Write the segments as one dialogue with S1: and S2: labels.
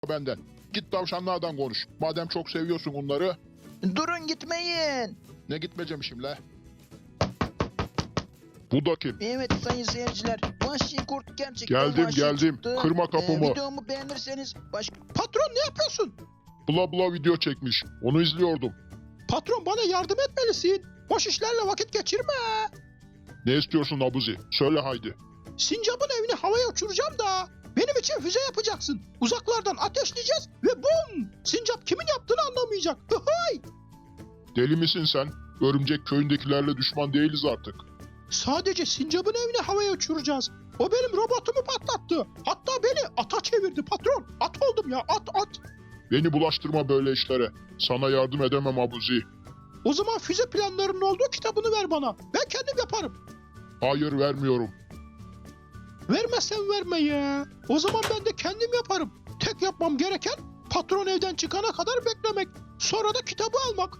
S1: benden. Git tavşanlardan konuş. Madem çok seviyorsun onları.
S2: Durun gitmeyin.
S1: Ne gitmeyeceğim la? Bu da kim?
S2: Evet sayın seyirciler. Vahşi kurt gerçekten
S1: Geldim,
S2: vahşi
S1: geldim.
S2: çıktı.
S1: Kırma kapımı.
S2: Videomu beğenirseniz Patron ne yapıyorsun?
S1: Bula bula video çekmiş. Onu izliyordum.
S2: Patron bana yardım etmelisin. Boş işlerle vakit geçirme.
S1: Ne istiyorsun Abuzi? Söyle haydi.
S2: Sincap'ın evini havaya uçuracağım da benim için füze yapacaksın. Uzaklardan ateşleyeceğiz ve bum! Sincap kimin yaptığını anlamayacak. Hıhıy!
S1: Deli misin sen? Örümcek köyündekilerle düşman değiliz artık.
S2: Sadece Sincap'ın evini havaya uçuracağız. O benim robotumu patlattı. Hatta beni ata çevirdi patron. At oldum ya, at.
S1: Beni bulaştırma böyle işlere. Sana yardım edemem Abuzi.
S2: O zaman füze planlarının olduğu kitabını ver bana. Ben kendim yaparım.
S1: Hayır, vermiyorum.
S2: Vermezsen verme ya. O zaman ben de kendim yaparım. Tek yapmam gereken patron evden çıkana kadar beklemek. Sonra da kitabı almak.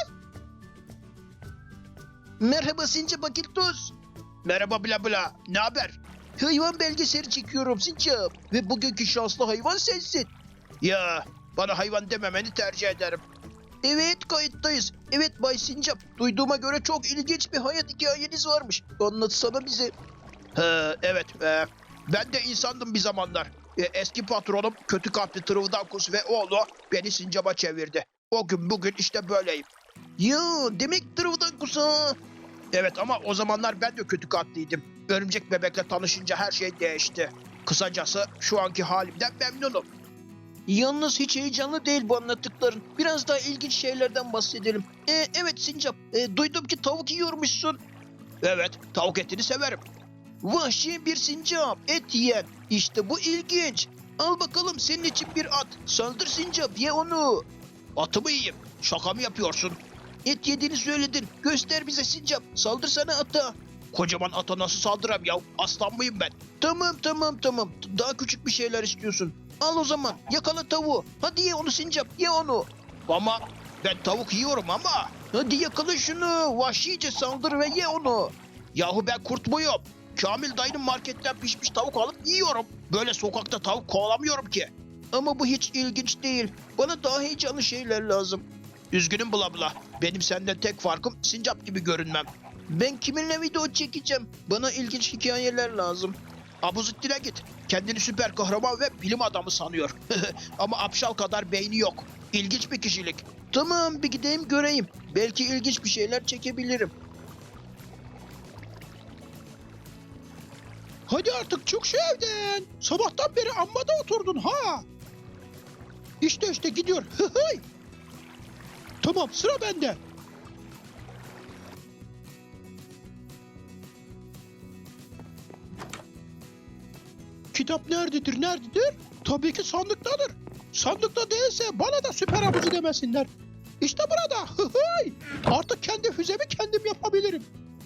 S2: Merhaba Sincap Akiltos. Merhaba Bla Bla. Ne haber? Hayvan belgeseli çekiyorum Sincap. Ve bugünkü şanslı hayvan sensin. Ya bana hayvan dememeni tercih ederim. Evet kayıttayız. Evet Bay Sincap. Duyduğuma göre çok ilginç bir hayat hikayeniz varmış. Anlatsana bize. Evet. Ben de insandım bir zamanlar. Eski patronum kötü kalpli Trıvdankus ve oğlu beni Sincap'a çevirdi. O gün bugün işte böyleyim. Ya demek Trıvdankus ha. Evet ama o zamanlar ben de kötü kalpliydim. Örümcek bebekle tanışınca her şey değişti. Kısacası şu anki halimden memnunum. Yalnız hiç heyecanlı değil bu anlattıkların. Biraz daha ilginç şeylerden bahsedelim. Evet Sincap, duydum ki tavuk yiyormuşsun. Evet, tavuk etini severim. Vahşi bir sincap, et yiyen. İşte bu ilginç. Al bakalım senin için bir at. Saldır sincap, ye onu. Atı mı yiyeyim? Şaka mı yapıyorsun? Et yediğini söyledin. Göster bize sincap. Saldırsana ata. Kocaman ata nasıl saldıram ya? Aslan mıyım ben? Tamam. Daha küçük bir şeyler istiyorsun. Al o zaman. Yakala tavuğu. Hadi ye onu sincap. Ye onu. Ama ben tavuk yiyorum ama. Hadi yakala şunu. Vahşice saldır ve ye onu. Yahu ben kurt muyum? Kamil dayının marketten pişmiş tavuk alıp yiyorum. Böyle sokakta tavuk kovalamıyorum ki. Ama bu hiç ilginç değil. Bana daha heyecanlı şeyler lazım. Üzgünüm Bla Bla. Benim senden tek farkım sincap gibi görünmem. Ben kiminle video çekeceğim? Bana ilginç hikayeler lazım. Abuzittin'e git. Kendini süper kahraman ve bilim adamı sanıyor. Ama apşal kadar beyni yok. İlginç bir kişilik. Tamam bir gideyim göreyim. Belki ilginç bir şeyler çekebilirim. Hadi artık çık şu evden. Sabahtan beri amma da oturdun ha. İşte gidiyor. Tamam sıra bende. Kitap nerededir? Tabii ki sandıktadır. Sandıkta değilse bana da süper abucu demesinler. İşte burada. Artık kendi füzemi kendim yapabilirim.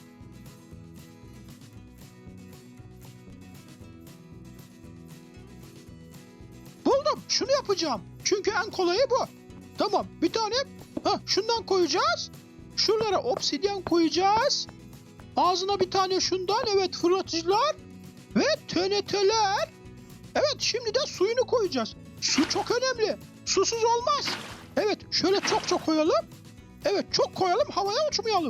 S2: Buldum. Şunu yapacağım. Çünkü en kolayı bu. Tamam. Bir tane şundan koyacağız. Şuralara obsidyen koyacağız. Ağzına bir tane şundan. Evet fırlatıcılar. Ve TNT'ler. Evet şimdi de suyunu koyacağız. Su çok önemli. Susuz olmaz. Evet şöyle çok koyalım. Evet çok koyalım havaya uçmayalım.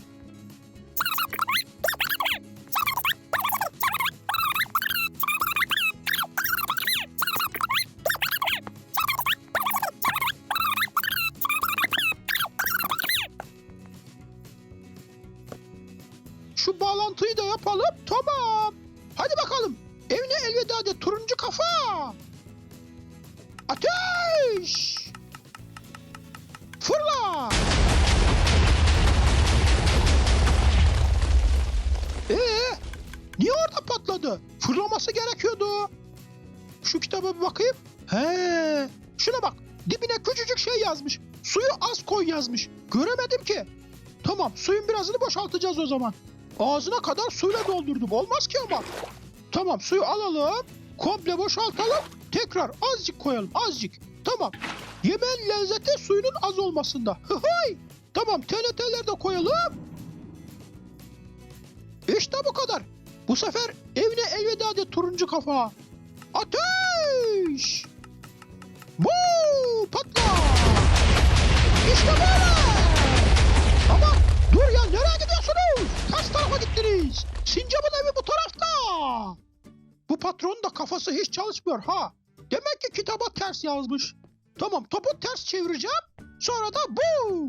S2: Şu bağlantıyı da yapalım. Tamam. Hadi bakalım. Evine elveda de turuncu kafa. Ateş! Fırla! Niye orada patladı? Fırlaması gerekiyordu. Şu kitaba bir bakayım. Şuna bak. Dibine küçücük şey yazmış. Suyu az koy yazmış. Göremedim ki. Tamam suyun birazını boşaltacağız o zaman. Ağzına kadar suyla doldurdum. Olmaz ki ama. Tamam suyu alalım. Komple boşaltalım. Tekrar azıcık koyalım. Azıcık. Tamam. Yemeğin lezzeti suyunun az olmasında. Tamam TNT'ler de koyalım. İşte bu kadar. Bu sefer evine elveda de turuncu kafa. Ateş! İşte böyle. Ama dur ya, nereye gidiyorsunuz? Ters tarafa gittiniz. Sincap'ın evi bu tarafta. Bu patronun da kafası hiç çalışmıyor ha. Demek ki kitaba ters yazmış. Tamam, topu ters çevireceğim. Sonra da bu.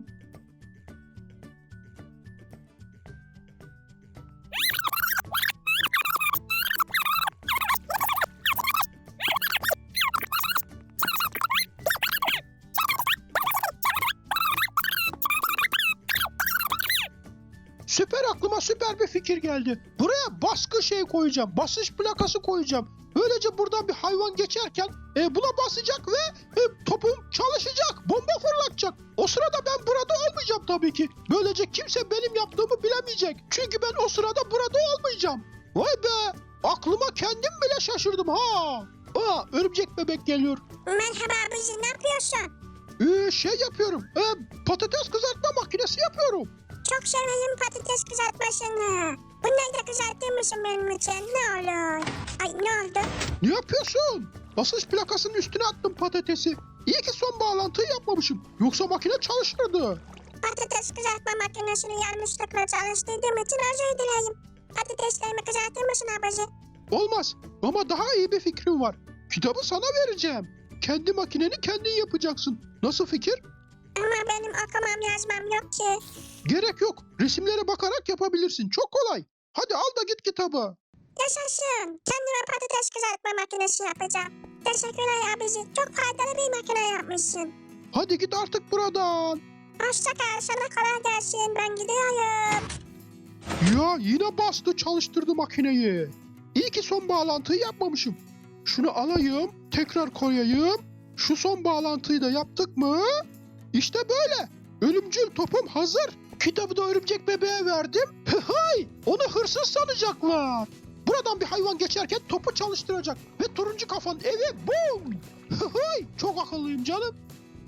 S2: Aklıma süper bir fikir geldi. Buraya baskı koyacağım. Basış plakası koyacağım. Böylece buradan bir hayvan geçerken buna basacak ve topum çalışacak. Bomba fırlatacak. O sırada ben burada olmayacağım tabii ki. Böylece kimse benim yaptığımı bilemeyecek. Çünkü ben o sırada burada olmayacağım. Vay be! Aklıma kendim bile şaşırdım ha. Örümcek bebek geliyor.
S3: Merhaba abici, ne yapıyorsun?
S2: Yapıyorum. Patates kızartma makinesi yapıyorum.
S3: Çok severim patates kızartmasını. Bunları da kızartır mısın benim için? Ne olur? Ay, ne oldu?
S2: Ne yapıyorsun? Basınç plakasının üstüne attım patatesi. İyi ki son bağlantıyı yapmamışım. Yoksa makine çalışırdı.
S3: Patates kızartma makinesini yanlışlıkla çalıştırdığım için özür dilerim. Patateslerimi kızartır mısın abici?
S2: Olmaz. Ama daha iyi bir fikrim var. Kitabı sana vereceğim. Kendi makineni kendin yapacaksın. Nasıl fikir?
S3: Ama benim okumam yazmam yok ki.
S2: Gerek yok. Resimlere bakarak yapabilirsin. Çok kolay. Hadi al da git kitabı.
S3: Yaşasın. Kendime patates kızartma makinesi yapacağım. Teşekkürler abici. Çok faydalı bir makine yapmışsın.
S2: Hadi git artık buradan.
S3: Hoşça kal. Sana kolay gelsin. Ben gidiyorum.
S2: Ya yine bastı, çalıştırdı makineyi. İyi ki son bağlantıyı yapmamışım. Şunu alayım, tekrar koyayım. Şu son bağlantıyı da yaptık mı? İşte böyle. Ölümcül topum hazır. Kitabı da örümcek bebeğe verdim. Hay! Onu hırsız sanacaklar. Buradan bir hayvan geçerken topu çalıştıracak. Ve turuncu kafanın evi bum! Hay! Çok akıllıyım canım.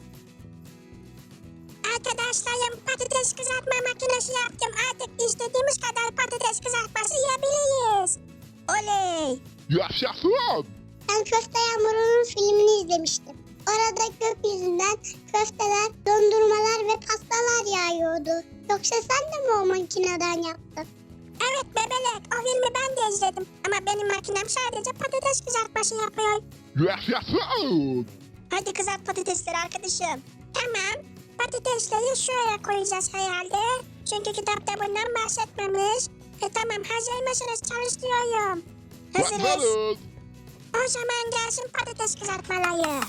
S3: Arkadaşlarım, patates kızartma makinesi yaptım. Artık istediğimiz kadar patates kızartması yiyebiliriz. Oley!
S1: Yaşasın!
S4: Ben Köfte Yağmuru'nun filmini izlemiştim. Orada gökyüzünden köfteler, dondurmalar ve pastalar yağıyordu. Yoksa sen de mi o makineden yaptın?
S3: Evet bebelek, o filmi ben de izledim. Ama benim makinem sadece patates kızartması yapıyor.
S1: Yaşasın!
S3: Hadi kızart patatesleri arkadaşım. Tamam, patatesleri şuraya koyacağız herhalde. Çünkü kitapta bundan bahsetmemiş. Tamam, hazır mısınız? Çalıştırıyorum. Hazırız.
S1: Hazırız.
S3: O zaman gelsin patates kızartmaları.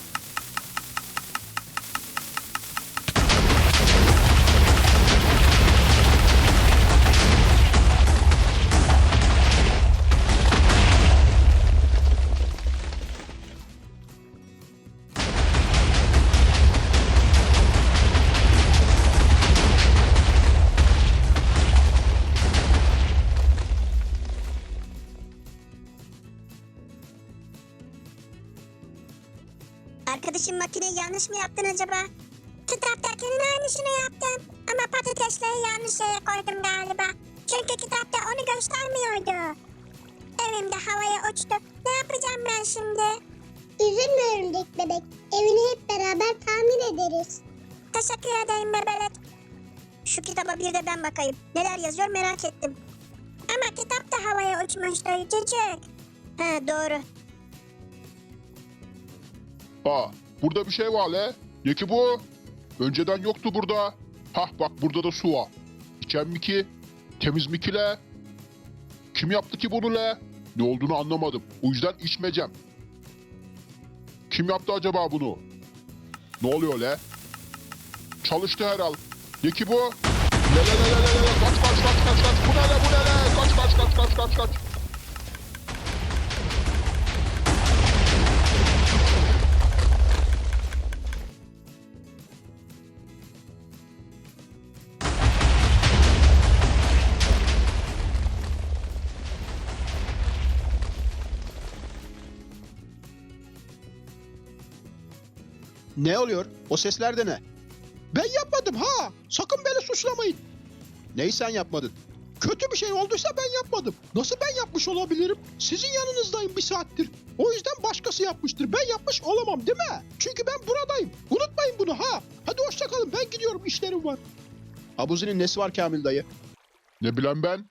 S3: Arkadaşım, makineyi yanlış mı yaptın acaba? Kitaptakinin aynısını yaptım. Ama patatesleri yanlış yere koydum galiba. Çünkü kitapta onu göstermiyordu. Evimde havaya uçtu. Ne yapacağım ben şimdi?
S4: Üzülme örümcek bebek. Evini hep beraber tamir ederiz.
S3: Teşekkür ederim bebelek. Şu kitaba bir de ben bakayım. Neler yazıyor merak ettim. Ama kitap da havaya uçmuştu çocuk. Ha, doğru.
S1: Burada bir şey var le. Ne ki bu? Önceden yoktu burada. Bak burada da su var. İçen mi ki? Temiz mi ki le? Kim yaptı ki bunu le? Ne olduğunu anlamadım. O yüzden içmeyeceğim. Kim yaptı acaba bunu? Ne oluyor le? Çalıştı herhal. Ne ki bu? Le. Kaç. Bu ne le? Kaç.
S2: Ne oluyor? O sesler de ne? Ben yapmadım ha! Sakın beni suçlamayın. Neyi sen yapmadın? Kötü bir şey olduysa ben yapmadım. Nasıl ben yapmış olabilirim? Sizin yanınızdayım bir saattir. O yüzden başkası yapmıştır. Ben yapmış olamam değil mi? Çünkü ben buradayım. Unutmayın bunu ha. Hadi hoşça kalın, ben işlerim var. Abuzi'nin nesi var Kamil dayı?
S1: Ne bileyim ben?